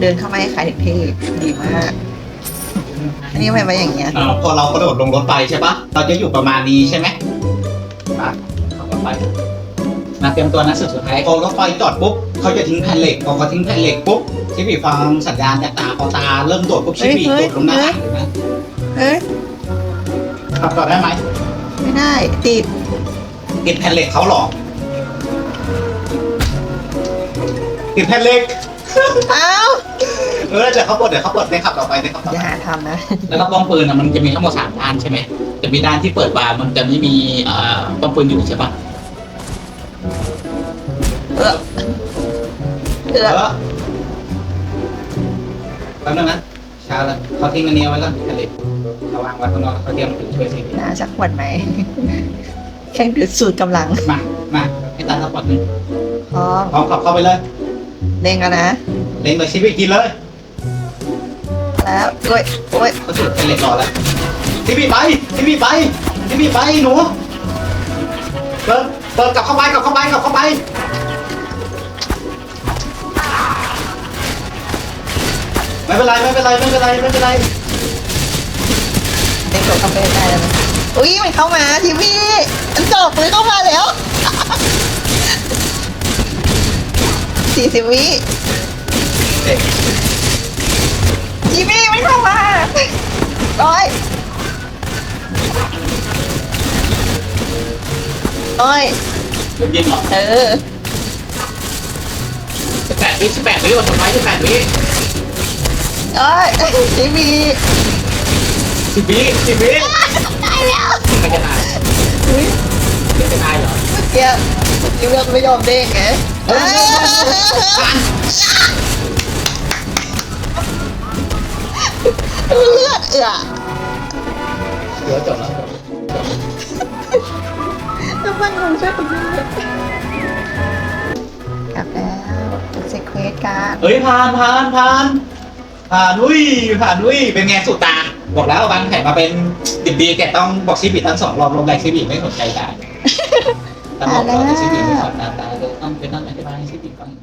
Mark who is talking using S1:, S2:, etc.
S1: เดินเข้ามาให้ขายถึงที่ดีมาก อันนี้ทำไมมาอย่างเงี้ย
S2: พอเรากระโดดลงรถไฟใช่ปะเราจะอยู่ประมาณนี้ใช่ไหมมาขับรถไฟมาเตรียมตัวนะสุดท้ายพอรถไฟจอดปุ๊บเขาจะทิ้งแผ่นเหล็กพอเขาทิ้งแผ่นเหล็กปุ๊บชิบีฟังสัญญาณจากตาพอตาเริ่มโดดปุ๊บชิบีโดดลงหน้าต่างเลยนะ
S1: เฮ้ย
S2: ขับต่อได้ไหม
S1: ไม่ได้ติด
S2: ติดแผ่นเหล็กเขาหรอติดแผ่นเหล็ก
S1: เอ้า
S2: เดี๋ยวเขาปลดได้ขับต่อไปได้ขับต่อ
S1: อย่า
S2: ไป
S1: หาทำนะ
S2: แล้วก็ป้อมปืนมันจะมีทั้งหมด3ด้านใช่ไหมจะมีด้านที่เปิดบาร์มันจะไม่มีป้อมปืนอยู่ใช่ปะ
S1: เออ
S2: แป๊บนึงนะช้าแล้วเขาทิ้งอันนี้ไว้แล้วทะเลเขาวางไว้ข้างนอกเขาเตรียมถึงช่วยสิ
S1: น่าจะขวดไหม แข่งดืดสูตรกำลัง
S2: มาให้ตาสปอร์ตหนึ่ง
S1: พร้อม
S2: พร้อมขับเข้าไปเลย
S1: เด้งกันนะ
S2: เล็งเลยชีวิตกินเลย
S1: แล้วโอ้ยโอ้ย
S2: เขาจุดเป็นเหล็กรอแล้วชีวิตไปหนูเดินกลับเข้าไปไม่เป็นไร
S1: เด้งตัวคาเฟ่ได้แล้วนะอุ้ยมันเข้ามาทีวีมันจบเลยเข้ามาแล้ว 40 วิ
S2: เด็ก
S1: ทีวีมันเข้ามาร้อย
S2: ยิงเหรอ
S1: เออ
S2: 18 วิวันสุดท้าย18 วิ
S1: ทีวี
S2: 10 วิ
S1: ได้แล้ว
S2: ไม่จะตาย
S1: อุ้ย
S2: ไม่จะตายเหรอ
S1: เมื่อกี้ทีวีไม่ยอมเด้งไงเลือด
S2: เดี๋ยวจบแล้ว
S1: น้ำมันของช่วยผมด้วยกลับแล้วเซ็กเควสการ
S2: เฮ้ยผ่านอุ้ยเป็นไงสุดตาบอกแล้วบางแผนมาเป็นดิบดีแกต้องบอกชิบิทั้ง2 รอบลงแรงชิบิไม่สนใจได้ต้องบอกเราแต่ชิบิไม่สนตาเลยต้องเป็นนั่งอธิบายให้ชิบิฟัง